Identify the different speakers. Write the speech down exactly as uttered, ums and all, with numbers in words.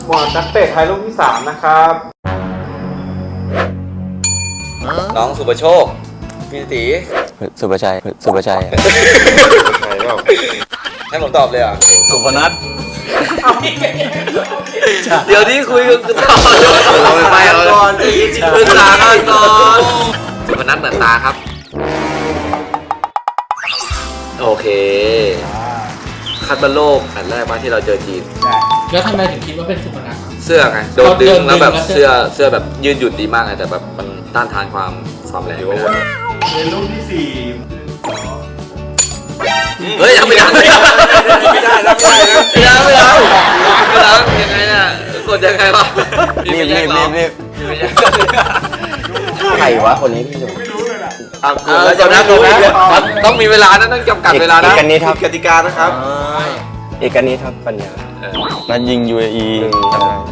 Speaker 1: หมวดนักเตะไทยลูกที่สามนะครับ
Speaker 2: น้องสุประโชคพี่ตี
Speaker 3: สุภชัยสุภชัย
Speaker 1: ใช่เปล่า
Speaker 2: ให้ผมตอบเลยอ่ะ
Speaker 3: สุพนัท
Speaker 2: เดี๋ยวที่คุยกันต่อเราไปก่อนปรึกษากันก่อนสุพนัทเหมือนตาครับโอเคคัดบอลโลกอันแรกมาที่เราเจอจีน
Speaker 4: แล้วทำไมถึงคิดว่าเป็นสุพนัท
Speaker 2: เสื้อไงโดนดึงแล้วแบบเสื้อเสื้อแบบยืนหยุ่นดีมากเลยแต่แบบมันต้านทานความความแรงไม่ได้
Speaker 1: เป็นลูกที่สี่
Speaker 2: เฮ้ยยังไม่ได้ไม่ได้ไม่ได้ไม่ได้ไม่ได้ไม่ได้ไม่ได้ยังไงเนี่ยกดยังไงวะ
Speaker 3: รีบรีบรีบรีบใครวะคนนี้พี่หนุ่ม
Speaker 1: ไม่รู้เลยนะ
Speaker 2: อ่ะกดแล้วจะนับดูนะต้องมีเวลานะต้องจำกัดเวลานะ
Speaker 3: เอกนิดครับ
Speaker 2: กติกานะครับ
Speaker 3: เอกนิดครับปัญญา
Speaker 2: เออ
Speaker 3: นัดยิง ยู เอ อี
Speaker 2: เ